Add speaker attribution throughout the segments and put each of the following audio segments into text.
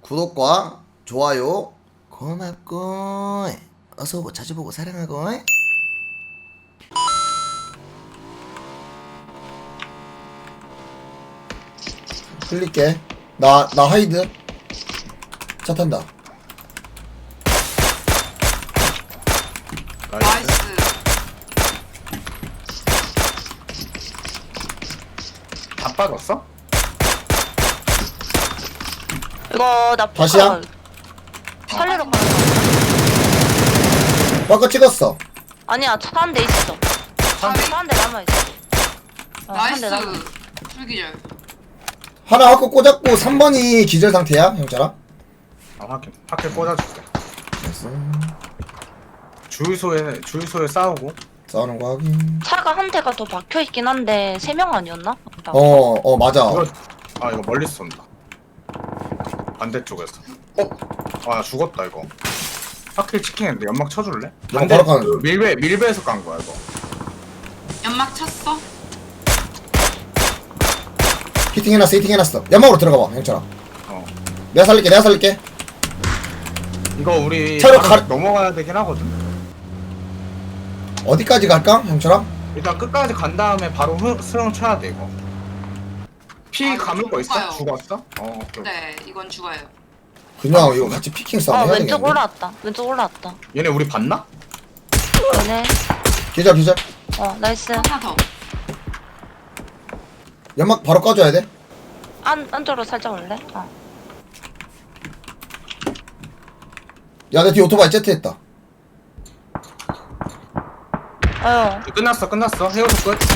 Speaker 1: 구독과 좋아요 고맙고 어서오고 자주보고 사랑하고. 흘릴게. 나 하이드 차 탄다.
Speaker 2: 나이스.
Speaker 3: 다 빠졌어?
Speaker 4: 이거 나
Speaker 1: 다시야?
Speaker 4: 살리러 가.
Speaker 1: 아까 찍었어.
Speaker 4: 아니야, 차 한 대 있어. 차 한 대 남아 있어.
Speaker 2: 나이스.
Speaker 4: 한 대 남아.
Speaker 2: 불기절.
Speaker 1: 하나 확고 꽂았고 3번이 기절 상태야 형처럼.
Speaker 3: 아 확킬 꽂아줄게. 주유소에 싸우고.
Speaker 1: 싸우는 거 확인.
Speaker 4: 차가 한 대가 더 박혀 있긴 한데 3명 아니었나?
Speaker 1: 맞아.
Speaker 3: 이거 멀리서 쏜다. 반대쪽에서. 아 죽었다 이거. 확킬 치킨인데 연막 쳐줄래?
Speaker 1: 연막 바로 가는 중.
Speaker 3: 밀배에서 깐 거야 이거.
Speaker 2: 연막 쳤어?
Speaker 1: 히팅해놨어. 연막으로 들어가봐 형처럼.
Speaker 3: 어.
Speaker 1: 내가 살릴게.
Speaker 3: 이거 우리
Speaker 1: 차로
Speaker 3: 바로 넘어가야 되긴 하거든.
Speaker 1: 어디까지 갈까 형처럼?
Speaker 3: 일단 끝까지 간 다음에 바로 수영 쳐야 돼 이거. 피
Speaker 2: 이거
Speaker 3: 감을 거 있어?
Speaker 2: 죽어요.
Speaker 3: 죽었어? 오케이.
Speaker 2: 네, 이건 죽어요.
Speaker 1: 그냥 이거 같이 피킹 싸움 해야
Speaker 4: 왼쪽
Speaker 1: 되겠네.
Speaker 4: 왼쪽 올라왔다.
Speaker 3: 얘네 우리 봤나?
Speaker 4: 얘네.
Speaker 1: 기절.
Speaker 4: 나이스.
Speaker 2: 하나 더.
Speaker 1: 연막 바로 꺼줘야 돼.
Speaker 4: 안쪽으로 살짝 올래?
Speaker 1: 야 내 뒤에 오토바이 제트했다.
Speaker 3: 끝났어. 헤어져 끝.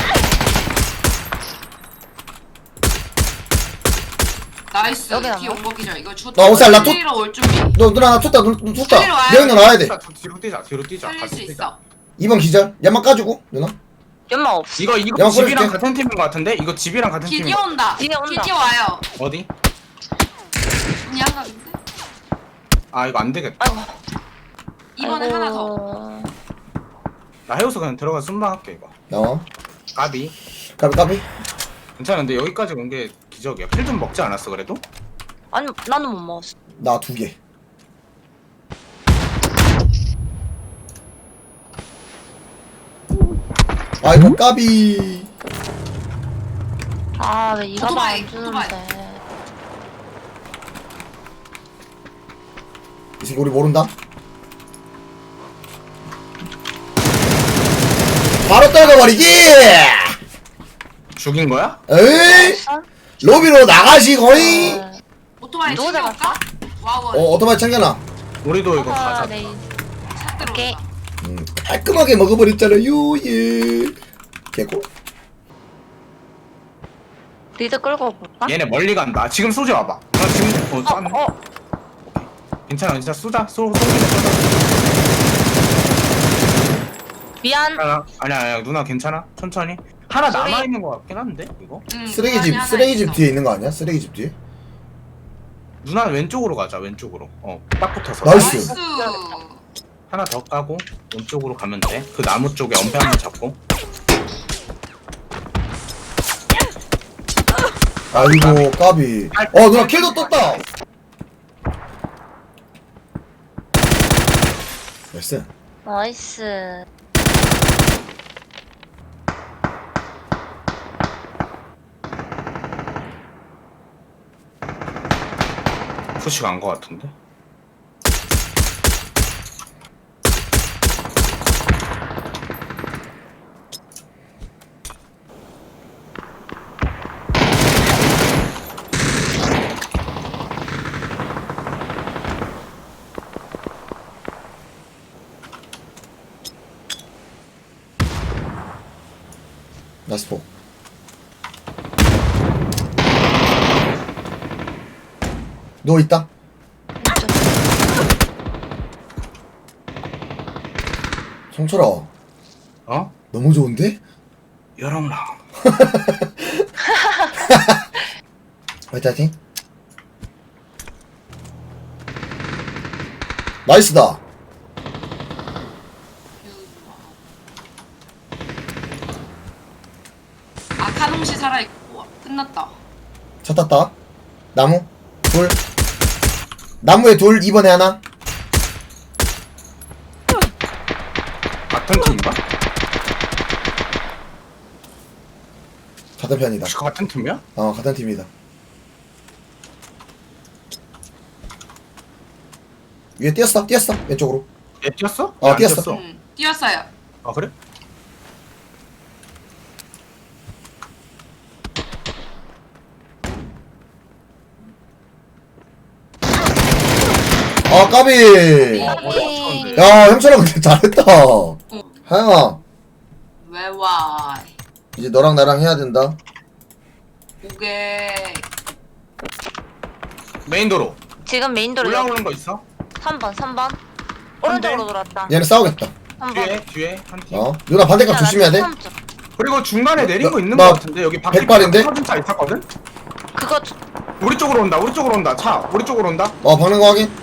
Speaker 2: 나이스.
Speaker 4: 여기
Speaker 2: 뒤에
Speaker 4: 남아?
Speaker 2: 온거 기절. 이거 주.
Speaker 1: 나 옷살, 나
Speaker 2: 살리러 올 준비.
Speaker 1: 너 누나 나 tus다.
Speaker 2: 살리러 와요.
Speaker 1: 여기 나와야 돼.
Speaker 3: 뒤로 뛰자.
Speaker 2: 살릴
Speaker 3: 같이
Speaker 2: 수
Speaker 3: 뛰자.
Speaker 2: 있어.
Speaker 1: 2번 기절. 연막 까주고 누나.
Speaker 4: 연막 없어.
Speaker 3: 이거
Speaker 1: 내가
Speaker 3: 집이랑
Speaker 1: 뿌릴게.
Speaker 3: 같은 팀인 것 같은데? 이거 집이랑 같은 팀인
Speaker 2: 기디
Speaker 3: 것
Speaker 2: 온다.
Speaker 4: 기디 온다.
Speaker 2: 기디 와요.
Speaker 3: 어디?
Speaker 2: 그냥 가는데.
Speaker 3: 아 이거 안 되겠다.
Speaker 4: 아이고.
Speaker 2: 이번에 하나 더.
Speaker 3: 나 해우서 그냥 들어가서 순방할게 이거. 까비.
Speaker 1: 까비.
Speaker 3: 괜찮은데 여기까지 온 게 기적이야. 필 좀 먹지 않았어 그래도?
Speaker 4: 아니, 나는 못 먹었어.
Speaker 1: 나 2개. 아이고 까비.
Speaker 4: 왜 이가
Speaker 2: 오토바이,
Speaker 4: 안 주는데.
Speaker 1: 이 새끼 우리 모른다. 바로 떨궈버리기.
Speaker 3: 죽인 거야?
Speaker 1: 에이 로비로 나가시거이.
Speaker 2: 오토바이
Speaker 4: 누구
Speaker 2: 챙겨올까? 와우.
Speaker 1: 오토바이 챙겨놔.
Speaker 3: 우리도 이거 가자.
Speaker 4: 네.
Speaker 2: 차
Speaker 4: 오케이.
Speaker 2: 들어온다.
Speaker 1: 깔끔하게 먹어버렸잖아요. 예. 개고.
Speaker 4: 리드 끌고 볼까?
Speaker 3: 얘네 멀리 간다. 지금 쏘지 와봐. 나 지금 쐈네. 괜찮아. 쏘자. 쏘자.
Speaker 4: 미안.
Speaker 3: 아니야. 누나 괜찮아? 천천히. 하나
Speaker 4: 소리.
Speaker 3: 남아 있는 거 같긴 한데 이거.
Speaker 1: 쓰레기집
Speaker 2: 있어.
Speaker 1: 뒤에 있는 거 아니야? 쓰레기집 뒤에.
Speaker 3: 누나 왼쪽으로 가자. 왼쪽으로. 딱 붙어서.
Speaker 1: 나이스.
Speaker 2: 나이스.
Speaker 3: 하나 더 까고 왼쪽으로 가면 돼. 그 나무 쪽에 엄폐 한번 잡고.
Speaker 1: 아이고 까비. 누나 킬도 떴다. 나이스.
Speaker 4: 나이스.
Speaker 3: 푸시 간거 같은데.
Speaker 1: 나이스 포. 누워있다. 성철아
Speaker 3: 어?
Speaker 1: 너무 좋은데?
Speaker 3: 여랑랑.
Speaker 1: 화이팅. 나이스다.
Speaker 2: 아카동시 살아있고 끝났다.
Speaker 1: 차 탔다. 나무. 불. 나무에 둘 2번에 하나.
Speaker 3: 같은 팀인가?
Speaker 1: 같은 편이다.
Speaker 3: 혹시 같은 팀이야?
Speaker 1: 같은 팀이다. 위에 뛰었어 왼쪽으로.
Speaker 3: 얘 뛰었어?
Speaker 1: 어,
Speaker 3: 얘안
Speaker 1: 뛰었어.
Speaker 2: 뛰었어요.
Speaker 3: 아 그래?
Speaker 1: 아 까비.
Speaker 3: 어려웠는데.
Speaker 1: 야 형철아 근데 잘했다. 하영아
Speaker 2: 왜 와?
Speaker 1: 이제 너랑 나랑 해야 된다.
Speaker 2: 오게.
Speaker 3: 메인 도로.
Speaker 4: 지금 메인도로
Speaker 3: 올라오는 거 있어?
Speaker 4: 3번 오른쪽으로 돌았다.
Speaker 1: 얘네 싸우겠다.
Speaker 4: 3번
Speaker 3: 뒤에 한 팀.
Speaker 1: 누나 반대각 조심해야 돼.
Speaker 3: 그리고 중간에 내린 거 있는
Speaker 1: 나
Speaker 3: 거 같은데 여기 밖에
Speaker 1: 백발인데?
Speaker 3: 터진 차 있었거든?
Speaker 4: 그거
Speaker 3: 우리 쪽으로 온다 차 우리 쪽으로 온다
Speaker 1: 박는 거 확인.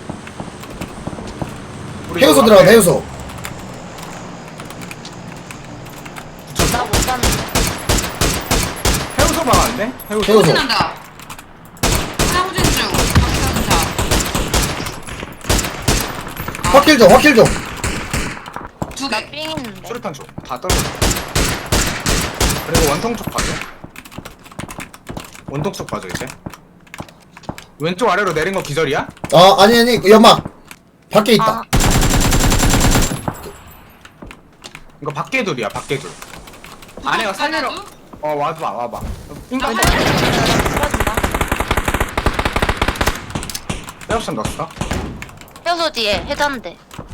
Speaker 3: 우리
Speaker 1: 해우소
Speaker 3: 요
Speaker 1: 들어가
Speaker 3: 앞에
Speaker 1: 해우소.
Speaker 4: 나 못 봤는데.
Speaker 3: 해우소 막았네? 해우소
Speaker 1: 해우소.
Speaker 2: 후진한다. 사무진 중. 박사자.
Speaker 1: 확킬 좀.
Speaker 2: 두
Speaker 4: 나
Speaker 2: 개.
Speaker 4: 삥 있는데.
Speaker 3: 수류탄 쪽다 떨어져 그리고 원통 쪽 봐줘 원통 쪽 봐줘 이제 왼쪽 아래로 내린 거 기절이야?
Speaker 1: 아니 연막 밖에 있다.
Speaker 4: 아,
Speaker 3: 이거 밖에 둘이야 밖에 둘 아내가 살리러 와봐 인가
Speaker 4: 풀어준다.
Speaker 3: 빼옵션 넣었어
Speaker 4: 해수 뒤에 해잔대.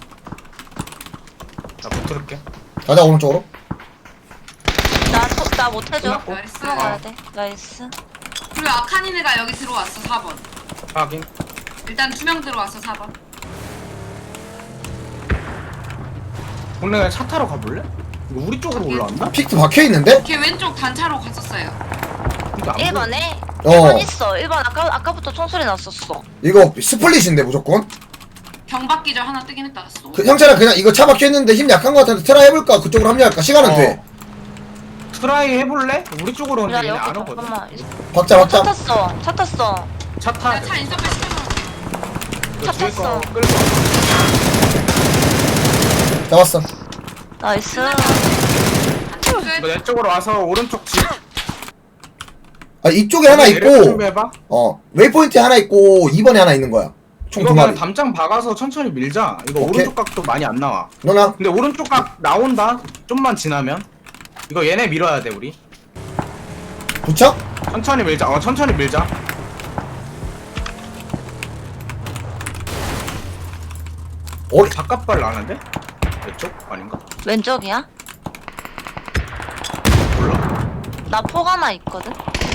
Speaker 3: 나 붙들을게
Speaker 1: 가자 오른쪽으로.
Speaker 4: 나 못해줘.
Speaker 3: 끝났고.
Speaker 2: 나이스.
Speaker 4: 들어가야 돼. 나이스.
Speaker 2: 그리고 아카니네가 여기 들어왔어 4번.
Speaker 3: 확인
Speaker 2: 일단 2명 들어왔어 4번.
Speaker 3: 오늘 그냥 차 타러 가볼래? 이거 우리 쪽으로 올라왔나?
Speaker 1: 픽트 박혀 있는데?
Speaker 2: 걔 왼쪽 단차로 갔었어요.
Speaker 3: 근데 안 보여.
Speaker 4: 1번에
Speaker 1: 어.
Speaker 4: 1번 있어. 1번 아까부터 총소리 났었어.
Speaker 1: 이거 스플릿인데 무조건.
Speaker 2: 경박기절 하나 뜨긴 했다. 쏘.
Speaker 1: 형철아 그냥 이거 차 박혀 있는데 힘 약한 거 같은데 트라이 해볼까? 그쪽으로 합류할까? 시간은 돼.
Speaker 3: 트라이 해볼래? 우리 쪽으로 오는데
Speaker 4: 야
Speaker 3: 얘네
Speaker 4: 여기
Speaker 3: 안 오거든
Speaker 4: 잠깐만.
Speaker 1: 박자.
Speaker 4: 차 탔어.
Speaker 3: 차 타.
Speaker 2: 내가 차 인서클 시켜놓을게.
Speaker 3: 이거 뒤에
Speaker 4: 탔어.
Speaker 3: 거 끌고 와.
Speaker 1: 잡았어.
Speaker 4: 나이스.
Speaker 2: 한팀 끝.
Speaker 3: 내 쪽으로 와서 오른쪽 집
Speaker 1: 이쪽에 하나
Speaker 3: 내릴
Speaker 1: 있고
Speaker 3: 준비해봐.
Speaker 1: 웨이포인트에 하나 있고 2번에 하나 있는 거야. 총
Speaker 3: 이거
Speaker 1: 두
Speaker 3: 그냥
Speaker 1: 마리.
Speaker 3: 담장 박아서 천천히 밀자. 이거
Speaker 1: 오케이.
Speaker 3: 오른쪽 각도 많이 안 나와.
Speaker 1: 누나
Speaker 3: 근데 오른쪽 각 나온다. 좀만 지나면. 이거 얘네 밀어야 돼 우리.
Speaker 1: 부착?
Speaker 3: 천천히 밀자. 천천히 밀자. 바깥발 나는데? 왼쪽? 아닌가?
Speaker 4: 왼쪽이야?
Speaker 3: 몰라.
Speaker 4: 나 폭 하나 있거든.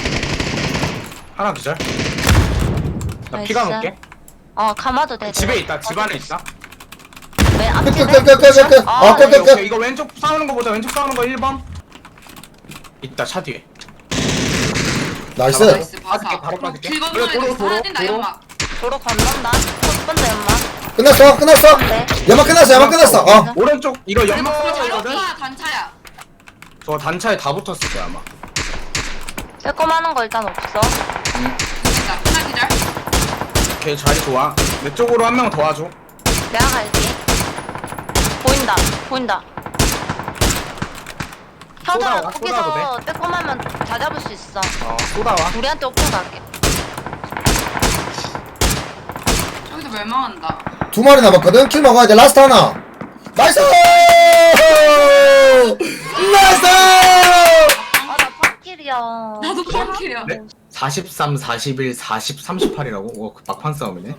Speaker 3: 하나 기절. 나
Speaker 4: 나이스.
Speaker 3: 피가 놓을게.
Speaker 4: 감아도 돼.
Speaker 3: 집에 있다. 집 안에 있다.
Speaker 4: 왜 앞집에?
Speaker 1: 끝.
Speaker 4: 아,
Speaker 1: 끝.
Speaker 3: 오케이. 이거 왼쪽 싸우는 거 보자. 왼쪽 싸우는 거 1번. 있다. 차 뒤에.
Speaker 1: 나이스.
Speaker 2: 나이스
Speaker 3: 빠질게,
Speaker 2: 봐서.
Speaker 3: 바로 빠질게.
Speaker 2: 길
Speaker 3: 그래,
Speaker 2: 건너야 돼.
Speaker 3: 도로,
Speaker 2: 사야 된다
Speaker 3: 도로.
Speaker 2: 연막.
Speaker 4: 도로 건넌다. 첫 번째 연막.
Speaker 1: 끝났어.
Speaker 4: 네.
Speaker 1: 연막 끝났어.
Speaker 3: 오른쪽 이거
Speaker 2: 그리고
Speaker 3: 연막이거든.
Speaker 2: 자동차 단차야.
Speaker 3: 저 단차에 다 붙었을 거야 아마.
Speaker 4: 빼꼼하는 거 일단 없어.
Speaker 2: 됐다. 하나 기절.
Speaker 3: 걔 자리 좋아. 내 쪽으로 한 명 더 와줘.
Speaker 4: 내가 갈게. 보인다. 형들아
Speaker 3: 쏟아와, 쏟아도
Speaker 4: 거기서 빼꼼하면 다 잡을 수 있어.
Speaker 3: 쏟아와.
Speaker 4: 우리한테 오픈 갈게.
Speaker 2: 저기서 멸망한다.
Speaker 1: 두 마리 남았거든. 킬 먹어야 돼. 라스트 하나. 나이스.
Speaker 4: 나 팝길이야.
Speaker 2: 나도 펑킬이야.
Speaker 3: 네? 43, 41, 40, 38이라고? 막판 싸움이네.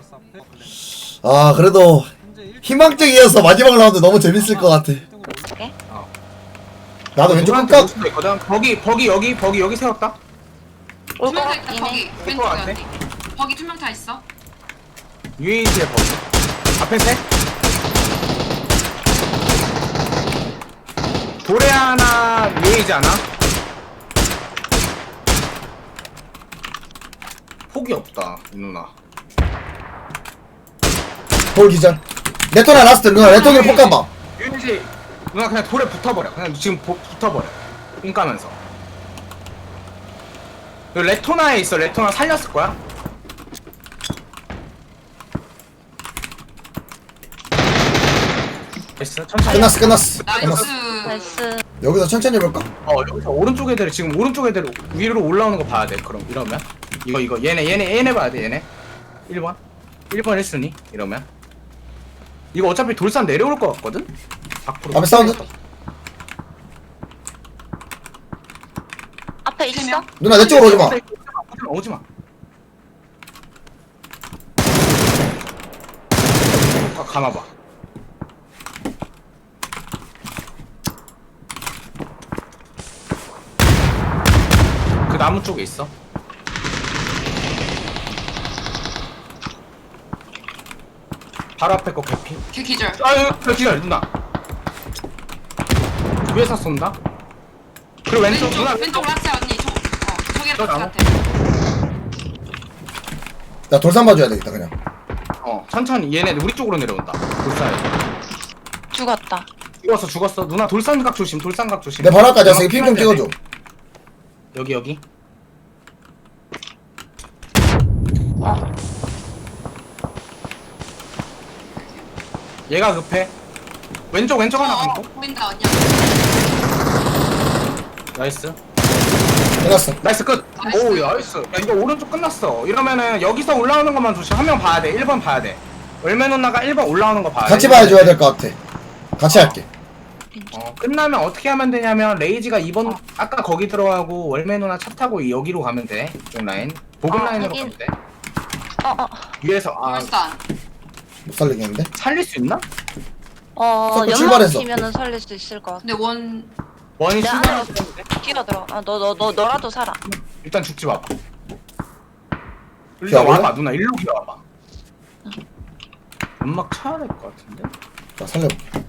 Speaker 1: 그래도 희망적이어서 마지막 라운드 너무 재밌을 것 같아.
Speaker 4: 오케이.
Speaker 1: 나도 왼쪽
Speaker 3: 누구한테
Speaker 1: 끝각.
Speaker 3: 올 수도 있거든. 버기 여기 세웠다.
Speaker 4: 올것
Speaker 2: 투명 다 있다.
Speaker 4: 같긴
Speaker 2: 거기
Speaker 4: 해.
Speaker 3: 올
Speaker 2: 왼쪽에
Speaker 3: 것 같아.
Speaker 2: 언니. 거기 투명 다 있어.
Speaker 3: UAG의 버기. 앞에 셋. 도레 하나 UAG 하나. 폭이 없다 이 누나.
Speaker 1: 볼 기절. 레토나 라스트. 누나 레토나 폭 가봐.
Speaker 3: UAG 누나 그냥 돌에 붙어버려. 그냥 지금 붙어버려. 삥 까면서. 여기 레토나에 있어. 레토나 살렸을 거야. 됐어 천천히.
Speaker 1: 끝났어.
Speaker 2: 나이스.
Speaker 4: 나이스.
Speaker 1: 여기서 천천히 해볼까?
Speaker 3: 여기서 오른쪽 애들 지금 오른쪽 애들 위로 올라오는 거 봐야 돼. 그럼 이러면 이거 얘네 봐야 돼. 얘네 1번 1순위 이러면 이거 어차피 돌산 내려올 것 같거든. 밖으로.
Speaker 1: 앞에 사운드.
Speaker 4: 앞에 있어?
Speaker 2: 명.
Speaker 1: 누나 내 쪽으로 오지마.
Speaker 3: 오지마. 감아봐. 그 나무 쪽에 있어. 바로 앞에 거 개피.
Speaker 2: 걔 기절.
Speaker 3: 아유, 기다려 누나. 위에서 쏜다. 그리고 왼쪽 누나
Speaker 2: 왼쪽 라스 언니. 저기
Speaker 3: 저
Speaker 2: 라스
Speaker 3: 나무?
Speaker 2: 같아.
Speaker 1: 나 돌산 봐줘야 되겠다 그냥.
Speaker 3: 천천히 얘네 우리 쪽으로 내려온다. 돌산에.
Speaker 4: 죽었다.
Speaker 3: 죽었어. 누나 돌산각 조심. 돌산각 조심.
Speaker 1: 내 바로 앞까지 와서 핑 좀 찍어줘.
Speaker 3: 여기.
Speaker 4: 어.
Speaker 3: 얘가 급해. 왼쪽 하나 감고.
Speaker 2: 보인다 언니.
Speaker 3: 나이스.
Speaker 1: 끝났어.
Speaker 3: 나이스 끝.
Speaker 2: 나이스.
Speaker 3: 오 나이스. 야 이거 오른쪽 끝났어. 이러면은 여기서 올라오는 것만 조심. 한 명 봐야 돼. 1번 봐야 돼. 월메 누나가 1번 올라오는 거 봐야 돼.
Speaker 1: 같이 봐줘야 될 것 같아. 같이 할게.
Speaker 3: 끝나면 어떻게 하면 되냐면 레이지가 2번 아까 거기 들어가고 월메 누나 차 타고 여기로 가면 돼. 이쪽 라인. 보급 라인으로
Speaker 4: 하긴.
Speaker 3: 가면 돼. 위에서
Speaker 2: 돌산.
Speaker 1: 못 살리겠는데?
Speaker 3: 살릴 수 있나?
Speaker 1: 자꾸
Speaker 4: 연막
Speaker 1: 출발했어.
Speaker 4: 치면은 살릴 수 있을 것 같아.
Speaker 2: 근데 원
Speaker 3: 원이
Speaker 4: 내 안으로
Speaker 3: 출발하는데
Speaker 4: 뛰어들어. 너라도 살아.
Speaker 3: 일단 죽지 마봐. 일단
Speaker 1: 기어볼래?
Speaker 3: 와봐 누나 일로 기어와봐. 연막 쳐야 될 것 같은데?
Speaker 1: 자 살려볼게.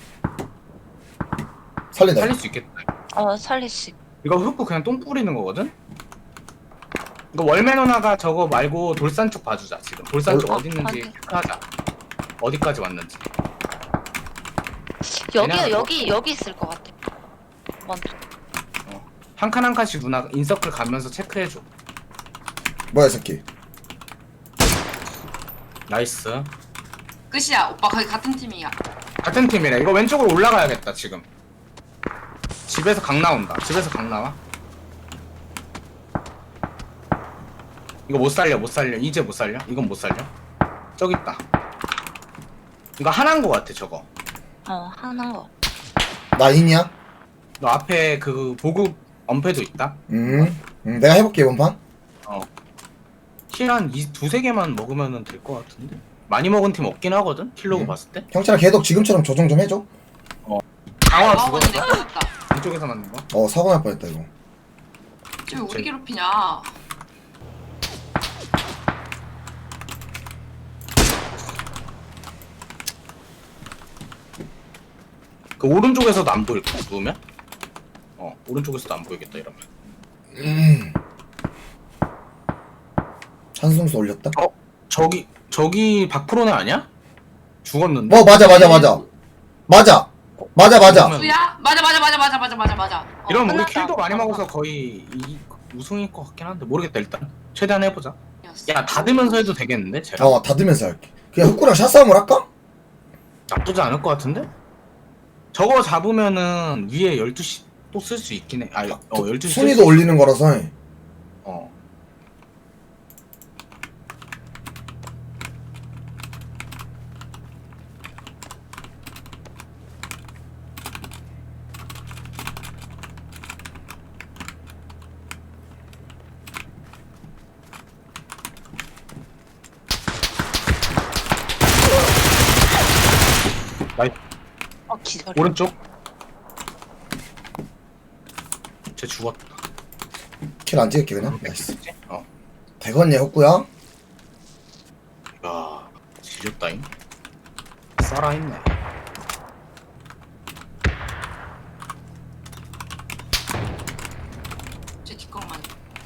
Speaker 1: 살린다.
Speaker 3: 살릴 수 있겠다.
Speaker 4: 살릴 수.
Speaker 3: 이거 흡구 그냥 똥 뿌리는 거거든? 이거 월메 누나가 저거 말고 돌산 쪽 봐주자 지금. 돌산 쪽 어디 있는지
Speaker 4: 확인.
Speaker 3: 체크하자. 어디까지 왔는지.
Speaker 4: 여기 있을 것 같아. 먼저.
Speaker 3: 한 칸 한 칸씩 누나 인서클 가면서 체크해줘.
Speaker 1: 뭐야 이 새끼.
Speaker 3: 나이스.
Speaker 2: 끝이야. 오빠 거기 같은 팀이야.
Speaker 3: 같은 팀이래. 이거 왼쪽으로 올라가야겠다 지금. 집에서 강 나온다. 집에서 강 나와. 이거 못 살려. 이제 못 살려. 이건 못 살려. 저기 있다. 이거 하나인 거 같아 저거.
Speaker 4: 하는 거.
Speaker 1: 나 인이야?
Speaker 3: 너 앞에 그 보급 엄폐도 있다.
Speaker 1: 내가 해볼게 이번 판.
Speaker 3: 킬 한 두세 개만 먹으면 될 것 같은데. 많이 먹은 팀 없긴 하거든. 킬로그 봤을 때.
Speaker 1: 형철아 걔도 지금처럼 조정 좀 해줘.
Speaker 3: 강화
Speaker 2: 아원이
Speaker 3: 죽었어.
Speaker 2: 내려갔다.
Speaker 3: 이쪽에서 맞는 거.
Speaker 1: 사고 날 뻔했다 이거.
Speaker 2: 쟤왜 우리 괴롭히냐?
Speaker 3: 그 오른쪽에서도 안 보일 거야. 누우면? 오른쪽에서도 안 보이겠다 이러면.
Speaker 1: 찬송수 올렸다.
Speaker 3: 저기 박프로네 아니야? 죽었는데.
Speaker 1: 맞아.
Speaker 3: 그러면-
Speaker 2: 수야? 맞아.
Speaker 3: 이러면 우리
Speaker 4: 끝났다.
Speaker 3: 킬도 많이 먹어서 거의 우승일 것 같긴 한데 모르겠다 일단. 최대한 해보자.
Speaker 2: 였어.
Speaker 3: 야 닫으면서 해도 되겠는데? 쟤랑?
Speaker 1: 닫으면서 할게. 그냥 흑구랑 샷싸움을 할까?
Speaker 3: 나쁘지 않을 것 같은데? 저거 잡으면은 위에 12시 또 쓸 수 있긴 해. 12시
Speaker 1: 순위도 올리는 거라서.
Speaker 4: 기다려.
Speaker 3: 오른쪽. 쟤 죽었다.
Speaker 1: 킬 안 찍을게 그냥. 나이스.
Speaker 3: 어.
Speaker 1: 대건예 흑구야.
Speaker 3: 야, 지렸다잉. 살아있네.
Speaker 2: 쟤 뒷광만.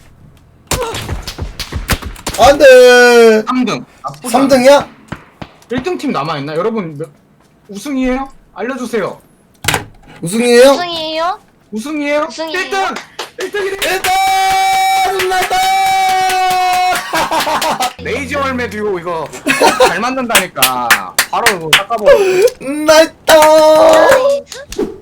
Speaker 1: 안돼.
Speaker 3: 3등.
Speaker 1: 3등이야?
Speaker 3: 1등 팀 남아있나? 여러분, 우승이에요? 알려주세요.
Speaker 1: 우승이에요?
Speaker 4: 우승이에요?
Speaker 3: 우승이에요?
Speaker 4: 우승이에요?
Speaker 3: 1등! 1등이래!
Speaker 1: 1등! 나이다!
Speaker 3: 레이저 월메 듀오 이거 잘 만든다니까. 바로 이거 닦아버려.
Speaker 1: 나이다.
Speaker 4: 나이스.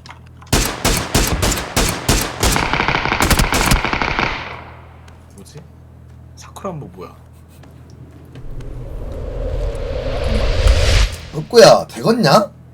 Speaker 3: 뭐지? 사쿠란보 뭐야?
Speaker 1: 흑구야 되겠냐?